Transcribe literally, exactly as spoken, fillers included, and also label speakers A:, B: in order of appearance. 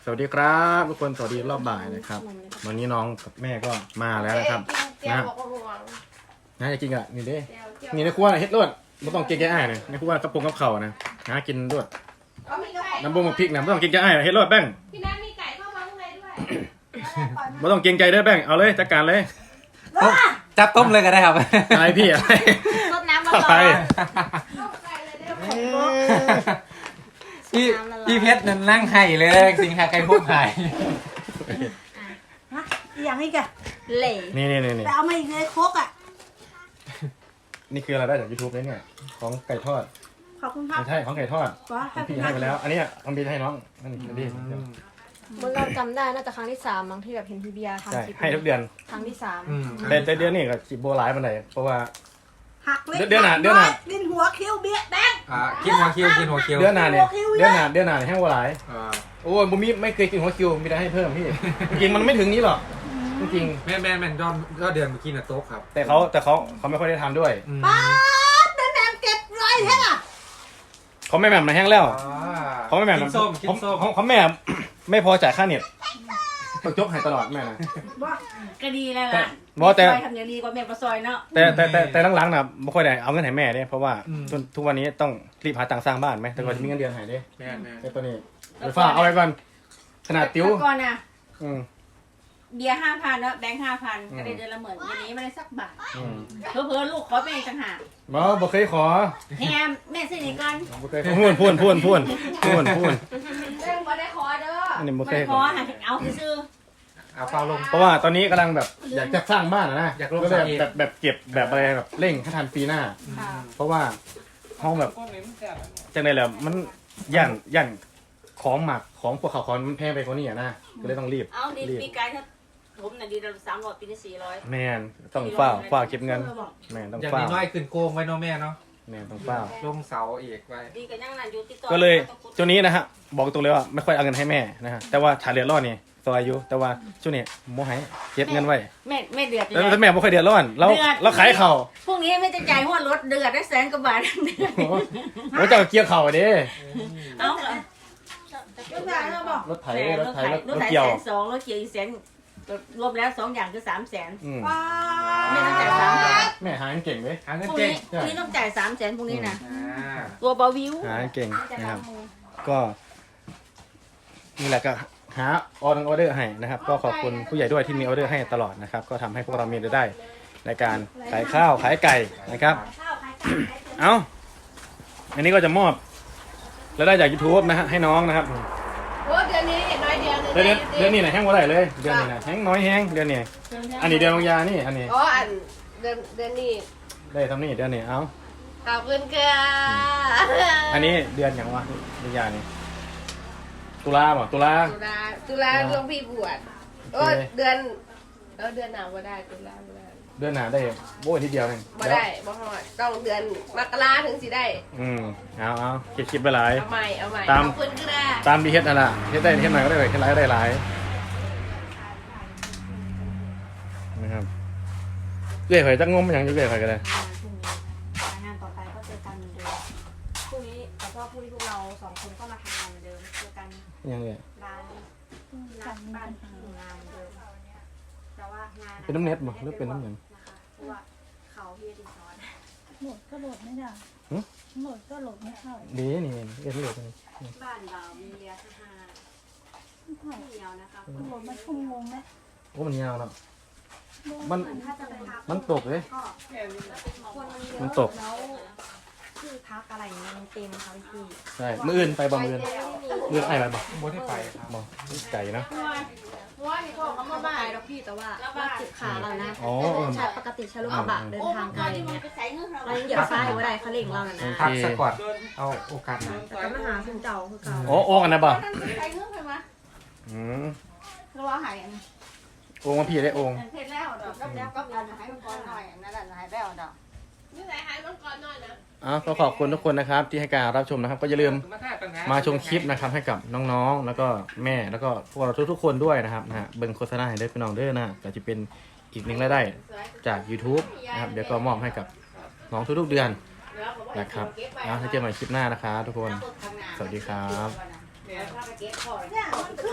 A: สวัสดีครับทุกคนสวัสดีรอบบ่ายนะครับวันนี้น้องกับแม่ก็มาแล้วนะครับนะนะจะกินอ่ะนี่เด้นี่ในครัวเฮ็ดรวดไม่ต้องเก๊กแก่อ้ายเลยในครัวกระปุกกับเข่านะหากินรวดน้ำบุ้งกับพริกนะไม่ต้องเก๊กแก่อ้ายเฮ็ดรวดแป้ง
B: พี่นัทมีไก่เข้ามาข้างในด้วย
A: ไม่ต้องเกรงใจเด้อแป้งเอาเลยจัดการเลย
C: จับต้มเลยก็ได้ครับ
A: อะไรพี่อะไร
B: ต้มน้ำมาก่อนต้มไก่เลยเด้อ
C: พี่พี่เพชรนั่นนั่งไห้เลยสิงหาไก่พุ่งไห้
D: ฮะอย่างนี้แก
B: เหล่
A: นี่นี่นี่
D: แต่เอามาอีกเลยโคกอ่ะ
A: นี่คืออะไรได้จากยูทูบเนี่ยของไก่ทอด
D: ขอบคุณครับ
A: ไม่ใช่ของไก่ทอดพี่ให้ไปแล้วอันนี้ทำพี่ให้น้องนั่นนี่
B: มันเราจำได้น่าจะครั้งที่สามมั้งที่แบบเห็นพี่เบียร์ทำคลิป
A: ให้ทุกเดือน
B: ครั้งที่สาม
A: แต่แต่เดือนนี้ก็สิบโบราณมันไหนเพราะว่า
D: หักเล็ก
A: เดือนหน้าเดือนหน้า
D: ดินหัวคิ้วเบี้ยแดง
C: อ่ากินหัวคิวกินหัวคิว
A: เดือนหน้าเนี่ยเดือนหน้าเดือนหน้าแห้งโบราณโอ้ยบุ้มไม่เคยกินหัวคิวมีแต่ให้เพิ่มพี่จริงมันไม่ถึงนี้หรอกจริง
C: แม่แม่แม่ยอดยอดเดือนเมื่อกี้น่ะโต๊ะครับ
A: แต่เขาแต่เขาเขาไม่ค่อยได้ทำด้วย
D: ป้าแม่แม่เก็บไรแท้อะ
A: เขาไม่แหม่มมาแห้งแล้วเขาไม่แหม่ม
C: กินส้มกินส้ม
A: เขาแม่ไม่พอจ่ายค่าเน็ตต้องยกให้ตลอดแม่นะ
D: ก็ดีแล้วล่ะ
A: บอกแต่
D: ทำอย่างดีกว่าแม่ประซอยเนาะ
A: แต่แต่แต่แต่หลังๆนะไม่ค่อยได้เอาเงินให้แม่เนี่ยเพราะว่าทุกวันนี้ต้องรีบหาตังค์สร้างบ้านไหมแต่ก่อนจะมีเงินเดือนให้เนี่ย
C: แม่แม่
A: แต่ตัวนี้เดี๋ยวฝ้าเอาไว้ก่อนขนาดติ้ว
D: ก่อนนะ
A: อืม
D: เบียร์ห้าพันเนาะแบงค์ห้าพันก็ได้เดือนละหมื่นวันนี้ไม่ได้สักบาทเพิ่มลูกขอเป็นต่างหาก
A: บ่บ่เคยขอ
D: แฮมแม่ซื้อนี่ก่อน
A: บ่เคยพูนพูนพูนพูนพูนพูน
B: เรื่องบ่ได้ขอเด้อ
A: อันนี้บ่เคย
D: ขอเอาซื้อ
C: เอาเปล่าลง
A: เพราะว่าตอนนี้กำลังแบบอยากจะสร้างบ้านนะอยากก็แบบแบบแบบเก็บแบบอะไรแบบเร่งให้ทันปีหน้าเพราะว่าห้องแบบจังได๋แหละมันย่านย่านของหมักของพวกเขาของมันแพงไปกว่านี้อ่ะนะก็เลยต้องรีบ
D: เอาดีปีกายถ้าผมน่ะดีเราสามร้อยปีนี้สี่ร้อย
A: แม่นต้องเฝ้าเฝ้าเก็บเงินแม่นต้อง
C: อย่าง
A: เฝ้า
C: น้อยขึ้นโกงไว้เนาะแม่เนาะ
A: แม่นต้องเฝ้า
C: ลงเสาอีกไว้
D: ดีกันยังนั่นอยู่ติดต่อ
A: ก็เลยช่วงนี้นะฮะบอกตรงเลยว่าไม่ค่อยเอาเงินให้แม่นะฮะแต่ว่าถ้าเดือดร้อนนี่ซอยอยู่แต่ว่าช่วงนี้โมให้เก็บเงินไว้
D: แม่แม่เดือด
A: แล้วแต่แม่ไม่ค่อยเดือดร้อนเราเราขายเข่า
D: พวกนี้ไม่จะจ่ายหัวรถเดือดได้แสนกว่าบาทเดือด
A: เราจะเกี่ยวเข่าดิ
D: เอา
A: รถไถรถไถรถ
D: เกี่ยวสองรถเกี่ยวอีกแสนรวมแล้วสองอย่างคือสามแสนแม่ต้องจ่ายสามแสน
A: แม่หาเก่งไหม
C: หาเงิน
D: พวก
C: เก่ง
D: นี้พวกนี้ต้องจ่ายสามแสนพวกนี้นะตัวเบาวิว
A: หาเก่งนะครับก็นี่แหละก็หาออเดอร์ออเดอร์ให้นะครับก็ขอบคุณผู้ใหญ่ด้วยที่มีออเดอร์ให้ตลอดนะครับก็ทำให้พวกเรามีรายได้ในการขายข้าวขายไก่นะครับเอาอันนี้ก็จะมอบรายได้จาก YouTube นะฮะให้น้องนะครับ
B: โอ้เดือนนี้น้อยเดียว
A: เดือนเดือนนี้ไหนแห้งว่าไรเลยเดือนนี้นะแห้งน้อยแห้งเดือนนี้อันนี้เดือนบางยานี่อันนี้
B: อ๋ออันเดือนเดือนนี้
A: ได้ทำนี่เดือนนี้เอา
B: ขอบคุณค่ะ
A: อันนี้เดือนอย่างวะบางยานี่ตุลาบ่ตุลา
B: ตุลาตุลาหลวงพี่บวชโอ้เดือนเออเดือนหนาวก็ได้ตุลาก็ได้
A: เดือนหนาได้โบ้ทีเดียวเอง
B: บ่ได้บ่ฮอดต้องเดือนมกราถึงสิได้
A: อืมเอาเอาคิดคิดไปหลาย
B: เอาใหม่เอาใหม่
A: ตาม
B: คุณก็ได้
A: ตามดีเฮ็ดนั่นแหละเฮ็ดได้เฮ็ดหน่อยก็ได้เฮ็ดหลายก็ได้หลายนะครับเรื่อยๆจะงมอย่างเรื่อยๆก็ได้
D: งานต่อไปก็เจอกันเหมือนเดิมพรุ่งนี้แต่ก็พรุ่งนี้พวกเราสองคนก็มาทำงานเหมือนเดิมเจอกัน
A: ยังไง
D: ร้านร้านบ้านงานเดิมแต่ว่างาน
A: เป็นน้ำเน็ตมั้งหรือเป็นน้ำหยัง
D: เพราะว่าเขาพี่ดีซอน
E: โหลดก็โหลดไม่ได้โหลดก็โหลดไม่เข้า
A: ดีนี่เอ็นโหลดเลย
D: บ้านเรามีเรียกห้าเดียวนะคะ
E: โหลดมาชั่วโมงไหม
A: โอ้มันยาวเนาะมันมันตกเลยมันตก
D: คือพักอะไรมันเต็มค่ะพี่
A: ใช่มืออื่นไปบ่มืออื่นมือไอ้ไปบ่
C: บ่ได้ไปครับ
A: บ่ไก่นะ
B: ว่าที่เขาเขามาบ้าน
D: เราพี่แต่ว่าว่าจิบขาเรานะใช้ปกติใช้ลูกกระบะเดินทางไกลเนี่ยเรายังเหยียบซ้ายหัวใดเขาเล่งเรานะ
C: พักสักก่อนเอาโอกาสนะ
D: แต่ก็มาหาคุณเจ้าคือเก่า
A: โอ้โอ้กันนะบ่
B: ใช้เงื่อนไปมา
A: อืม
B: เราว่าหาย
A: โอ่งมาพี่ได้โอ่ง
B: เสร็จแล้วดอกก็แล้วก็เอาให้มันก่อนหน่อยนั่นแหละหายแล้วดอกนี่ไหนหายมันก่อนหน่อยนะ
A: อ๋อก็ขอบคุณทุกคนนะครับที่ให้การรับชมนะครับก็อย่าลืมมาชมคลิปนะครับให้กับน้องๆแล้วก็แม่แล้วก็พวกเราทุกๆคนด้วยนะครับนะฮะเบิ่งโฆษณาให้ได้พี่น้องเด้อนะก็จะเป็นอีกหนึ่งรายได้จาก YouTube นะครับเดี๋ยวก็มอบให้กับน้องทุกๆเดือนนะครับแล้วถ้าเจอใหม่คลิปหน้านะครับทุกคนสวัสดีครับ